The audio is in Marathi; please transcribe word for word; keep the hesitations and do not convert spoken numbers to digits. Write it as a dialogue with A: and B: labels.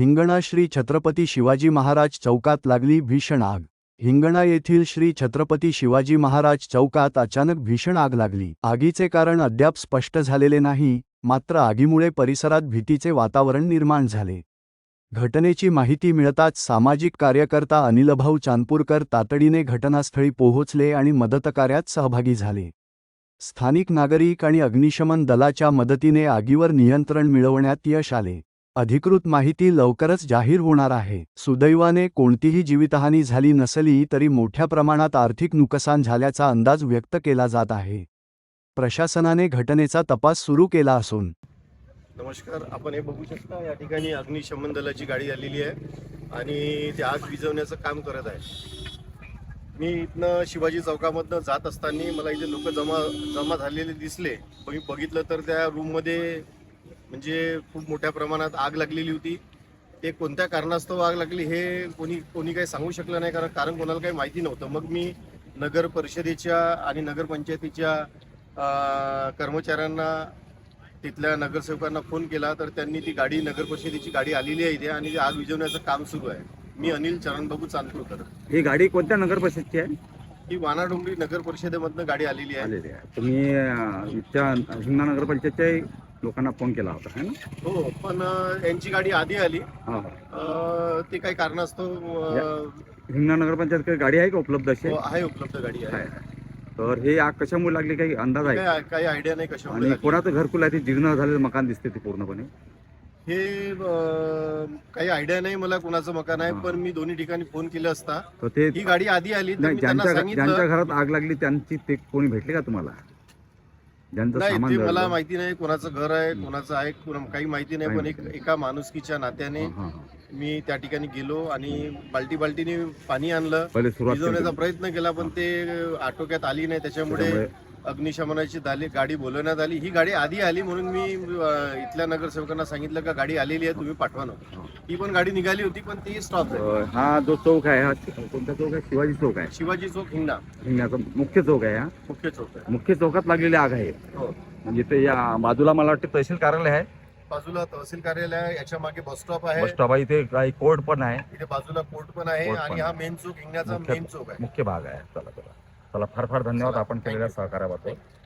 A: हिंगणा श्री छत्रपती शिवाजी महाराज चौकात लागली भीषण आग। हिंगणा येथील श्री छत्रपती शिवाजी महाराज चौकात अचानक भीषण आग लागली। आगीचे कारण अद्याप स्पष्ट झालेले नाही, मात्र आगीमुळे परिसरात भीतीचे वातावरण निर्माण झाले। घटनेची माहिती मिळताच सामाजिक कार्यकर्ता अनिलभाऊ चांदपूरकर तातडीने घटनास्थळी पोहोचले आणि मदतकार्यात सहभागी झाले। स्थानिक नागरिक आणि अग्निशमन दलाच्या मदतीने आगीवर नियंत्रण मिळवण्यात यश आले। अधिकृत माहिती लवकरच जाहीर होणार आहे। सुदैवाने कोणतीही जीवितहानी झाली नसली तरी मोठ्या प्रमाणात आर्थिक नुकसान झाल्याचा अंदाज व्यक्त केला जात आहे। प्रशासनाने घटनेचा तपास सुरू केला असून
B: नमस्कार, आपण हे बघू शकता या ठिकाणी अग्निशमन दलाची गाडी आलेली आहे आणि ते आग विझवण्याचं काम करत आहे। मी इथनं शिवाजी चौकामधनं जात असताना मला इथे लोक जमा जमा झालेले दिसले। मी बघितलं तर त्या रूममध्ये म्हणजे खूप मोठ्या प्रमाणात आग लागलेली होती। ते कोणत्या कारणास्तव आग लागली हे कोणी कोणी काही सांगू शकलं नाही, कारण कारण कोणाला काही माहिती नव्हतं। मग मी नगर परिषदेच्या आणि नगरपंचायतीच्या कर्मचाऱ्यांना, तिथल्या नगरसेवकांना फोन केला, तर त्यांनी ती गाडी, नगर परिषदेची गाडी आलेली आहे इथे आणि ती आग विझवण्याचं काम सुरू आहे। मी अनिल चरणबाबू चांदपूरकर।
C: ही गाडी कोणत्या नगर परिषदेची आहे?
B: ही वानाडोंगरी नगर परिषदेमधनं गाडी आलेली आहे।
C: तुम्ही इथच्या हिंगणा नगर पंचायतच्या लोकांना फोन केला होता है ना?
B: हो, पण यांची गाडी आधी आली।
C: हा,
B: ते काही कारणास्तव
C: हिंगणा नगर पंचायत गाडी आहे का उपलब्ध? अशी
B: आहे, उपलब्ध गाडी आहे।
C: तर हे आग कशामुळे लागली, काही अंदाज आहे?
B: काही आयडिया नाही कशामुळे।
C: आणि कोणाचं घरकुल आहे? ते जीर्ण झालेलं मकान दिसते ते पूर्णपणे।
B: हे काही आयडिया नाही मला कुणाचं मकान आहे, पण मी दोन्ही ठिकाणी फोन केला असता
C: तर ते
B: ही गाडी आधी आली तर मी त्यांना सांगितलं।
C: ज्यांच्या घरात आग लागली त्यांची ते कोणी भेटले का तुम्हाला? ज्यांचं
B: नाही,
C: सामान
B: ते
C: जळलं?
B: मला माहिती नाही कोणाचं घर आहे, कोणाचं आहे, काही माहिती नाही। पण एक एका माणुसकीच्या नात्याने मी त्या ठिकाणी गेलो आणि बाल्टी बाल्टीने पाणी आणलं, विझवण्याचा प्रयत्न केला, पण ते आटोक्यात आली नाही। त्याच्यामुळे अग्निशमनाची दाली गाडी बोलवण्यात आली। ही गाडी आधी आली म्हणून मी इथल्या नगरसेवकांना सांगितलं का गाडी आलेली आहे, तुम्ही पाठवा ना। ही पण गाडी निघाली होती, पण ती स्टॉप आहे।
C: हा जो चौक आहे, हा कोणता चौक आहे? शिवाजी चौक आहे।
B: शिवाजी चौक हिंगणा
C: हिंगण्याचा मुख्य चौक आहे। हा
B: मुख्य चौक आहे।
C: मुख्य चौकात लागलेली आग आहे।
B: हो,
C: म्हणजे ते या बाजूला मला वाटतं तहसील कार्यालय आहे,
B: बाजूला तहसील कार्यालय आहे, याच्या मागे बस स्टॉप आहे,
C: बस स्टॉप आहे, इथे काही कोर्ट पण आहे,
B: इथे बाजूला कोर्ट पण आहे आणि हा मेन चौक हिंगण्याचा मेन चौक आहे,
C: मुख्य भाग आहे। चला चला चला, फार फार धन्यवाद आपण केलेल्या सहकार्याबद्दल।